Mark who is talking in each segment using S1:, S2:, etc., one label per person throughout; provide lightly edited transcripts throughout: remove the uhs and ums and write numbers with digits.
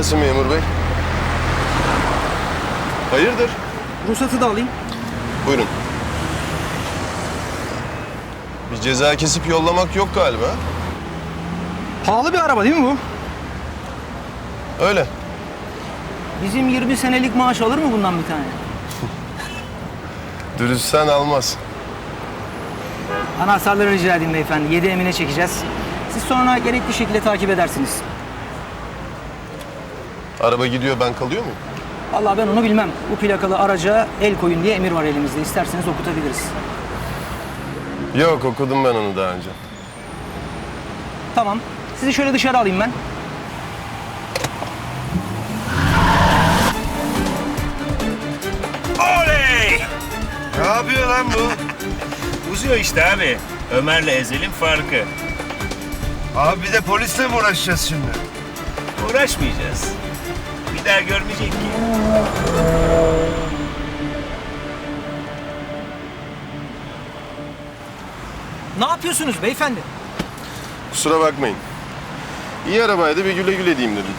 S1: gelsin memur bey. Hayırdır?
S2: Ruhsatı da alayım.
S1: Buyurun. Bir ceza kesip yollamak yok galiba.
S2: Pahalı bir araba değil mi bu?
S1: Öyle.
S2: Bizim 20 senelik maaş alır mı bundan bir tane?
S1: Dürüstsen almaz.
S2: Anahtarları rica edeyim beyefendi. 7 emine çekeceğiz. Siz sonra gerekli şekilde takip edersiniz.
S1: Araba gidiyor, ben kalıyor muyum?
S2: Vallahi ben onu bilmem. Bu plakalı araca el koyun diye emir var elimizde. İsterseniz okutabiliriz.
S1: Yok, okudum ben onu daha önce.
S2: Tamam. Sizi şöyle dışarı alayım ben.
S3: Oley!
S4: Ne yapıyor lan bu?
S3: Uzuyor işte abi. Ömer'le Ezel'in farkı.
S4: Abi bir de polisle mi uğraşacağız şimdi?
S3: Uğraşmayacağız. Bir daha görmeyecek ki.
S2: Ne yapıyorsunuz beyefendi?
S1: Kusura bakmayın. İyi arabaydı, bir güle güle diyeyim dedim.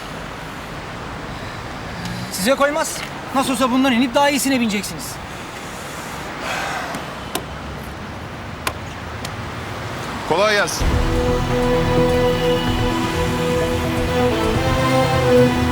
S2: Size koymaz. Nasıl olsa bundan inip daha iyisine bineceksiniz.
S1: Kolay gelsin.